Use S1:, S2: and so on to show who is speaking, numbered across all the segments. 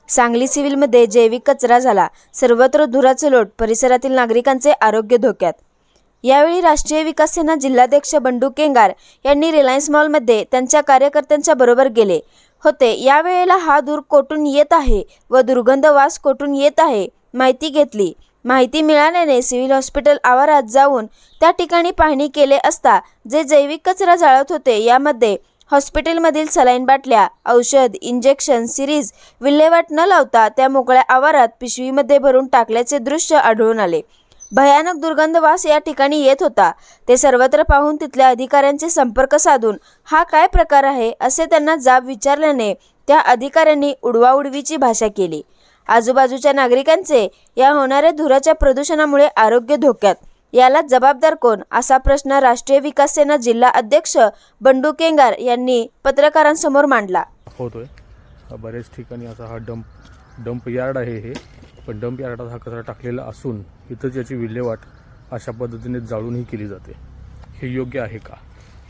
S1: सांगली सिव्हिलमध्ये जैविक कचरा झाला, सर्वत्र धुराचे लोट, परिसरातील नागरिकांचे आरोग्य धोक्यात। यावेळी राष्ट्रीय विकास सेना जिल्हाध्यक्ष बंडू केंगार यांनी रिलायन्स मॉलमध्ये त्यांच्या कार्यकर्त्यांच्या बरोबर गेले होते। यावेळेला हा धूर कोठून येत आहे व दुर्गंध वास कोठून येत आहे माहिती घेतली। माहिती मिळाल्याने सिव्हिल हॉस्पिटल आवारात जाऊन त्या ठिकाणी पाहणी केले असता जे जैविक कचरा जाळत होते यामध्ये हॉस्पिटलमधील सलाईन बाटल्या, औषध, इंजेक्शन, सिरीज विल्हेवाट न लावता त्या मोकळ्या आवारात पिशवीमध्ये भरून टाकल्याचे दृश्य आढळून आले। भयानक दुर्गंध वास या ठिकाणी येत होता। ते सर्वत्र पाहून तिथल्या अधिकाऱ्यांचे संपर्क साधून हा काय प्रकार आहे असे त्यांना जाब विचारल्याने त्या अधिकाऱ्यांनी उडवाउडवीची भाषा केली। आजूबाजूच्या नागरिकांचे या होणाऱ्या धुराच्या प्रदूषणामुळे आरोग्य धोक्यात। याला जबाबदार कोण असा प्रश्न राष्ट्रीय विकास सेना जिल्हा अध्यक्ष बंडू केंगार यांनी पत्रकारांसमोर मांडला।
S2: होतोय बरेच ठिकाणी आता हा डंप यार्ड आहे हे, पण डंप यार्डात हा कचरा टाकलेला असून इथंच याची विल्हेवाट अशा पद्धतीने जाळूनही केली जाते। हे योग्य आहे का?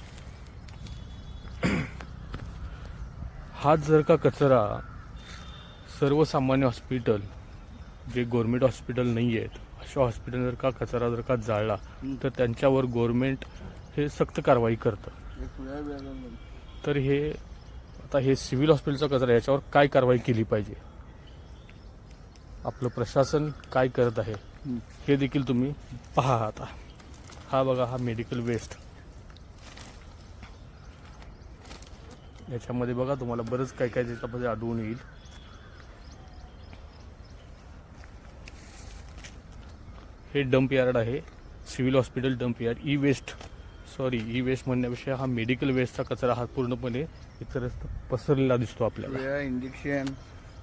S2: हा जर का कचरा सर्वसामान्य हॉस्पिटल जे गव्हर्नमेंट हॉस्पिटल नाही आहेत अशा हॉस्पिटल जर का कचरा जर का जाळला तर त्यांच्यावर गव्हर्नमेंट हे सक्त कारवाई करतं। तर हे सिव्हिल हॉस्पिटलचा कचरा याच्यावर काय कारवाई केली पाहिजे, आपलं प्रशासन काय करत आहे हे देखील तुम्ही पहा। आता हा बघा, हा मेडिकल वेस्ट, याच्यामध्ये बघा तुम्हाला बरंच काय काय त्याच्यामध्ये आढळून येईल। हे डंप यार्ड आहे, civil hospital dump yard. E waste म्हणण्यापेक्षा हा मेडिकल वेस्टचा कचरा हा पूर्णपणे इतरत्र पसरलेला दिसतो आपल्याला।
S3: इंजेक्शन,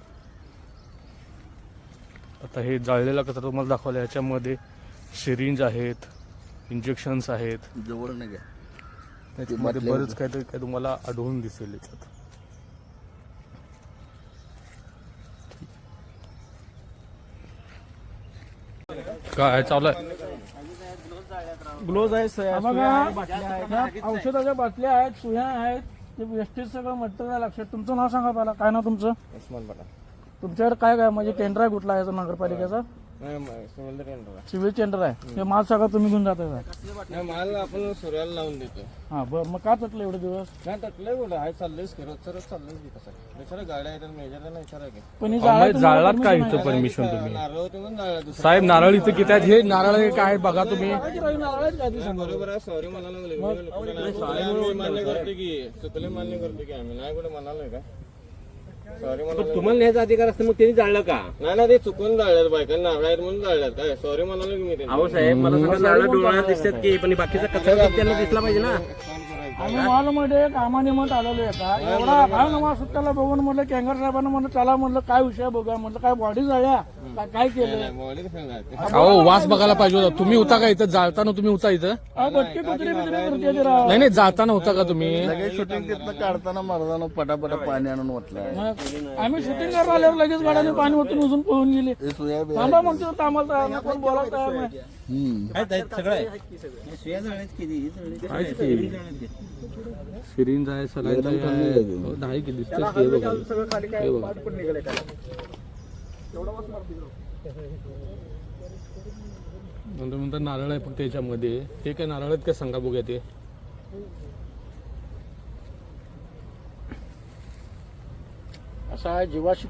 S2: आता हे जाळलेला कचरा तुम्हाला दाखवला, याच्यामध्ये सिरिंज आहेत, इंजेक्शन्स आहेत,
S3: जवळ नाही का
S2: त्याच्यामध्ये बरंच काय तुम्हाला आढळून दिसेल याच्यात। काय चालू आहे?
S4: ग्लोव्ज आहे, बघा औषधाच्या बाटल्या आहेत, सुया आहेत, ते वेस्टेज सगळं मटेरियल लक्षात। तुमचं नाव सांगा पहिला, काय नाव तुमचं?
S3: उस्मान बटा।
S4: तुमच्याकडे काय काय म्हणजे टेंडर आहे कुठला आहे नगरपालिकेचा? सिव्हिल टेंडर आहे। हे माल सगळं तुम्ही घेऊन जाताय का?
S3: माल आपण सूर्याला लावून देतो।
S4: हा बरं, मग का तटलं एवढे दिवस?
S3: नाही तटलंय बोला, आहे चाललंयच सरळ चाललंय की कसं विचारा, गाड्या आहेत मेजरला विचारा की
S4: पण हे
S2: जाळलात का इथं परमिशन तुम्ही?
S3: नारळ होते म्हणून जाळला
S2: साहेब, नारळ इथं किती आहेत? हे नारळ काय बघा तुम्ही।
S3: बरोबर आहे, सॉरी म्हणाला मान्य करते की चुकले मान्य करते की आम्ही नाही कुठे म्हणालोय का सॉरी म्हणाल।
S5: तुम्हाला न्यायचा अधिकार असतं मग त्यांनी जाळलं का?
S3: नाही ते चुकून जाळल्यात, बायकांना नारळ आहेत म्हणून जाळल्यात। काय सॉरी म्हणालो की मी?
S5: अहो साहेब, मला सगळं नारळ डोळ्यात दिसतात की, पण बाकीचा कचरा त्यांना दिसला पाहिजे ना।
S4: आम्ही मॉलमध्ये कामानिमित्त आलेलो आहे का, एवढा काय नवा सुट्ट्याला बघून म्हटलं केंगार साहेबांना म्हणलं चला, म्हणलं काय विषय बघा, म्हटलं काय बॉडी जाळ्या काय केलं?
S2: अहो, वास बघायला पाहिजे होता। तुम्ही होता का इथं जाळताना? तुम्ही होता इथं?
S4: बटके कुत्रे बित्रे करते ते राव।
S2: नाही जाताना होता का तुम्ही?
S3: लगेच शूटिंग तिथनं काढताना मर्दानं पटापटा पाणी आणून ओतलंय।
S4: मग आम्ही शूटिंग करायला आल्यावर लगेच गाड्याने पाणी ओतून उजून पळून गेले। थांबा म्हणतो, आम्हाला तयार नाही, कोण बोलायला तयार नाही।
S2: सिरिंज आहे, सलाईन आहे, नाही की दिसतंय की हे बघा, हे बघा। नंतर नारळ आहे फक्त याच्यामध्ये। हे काय नारळ आहेत का सांगा बघूया ते।
S4: असा जीवाशी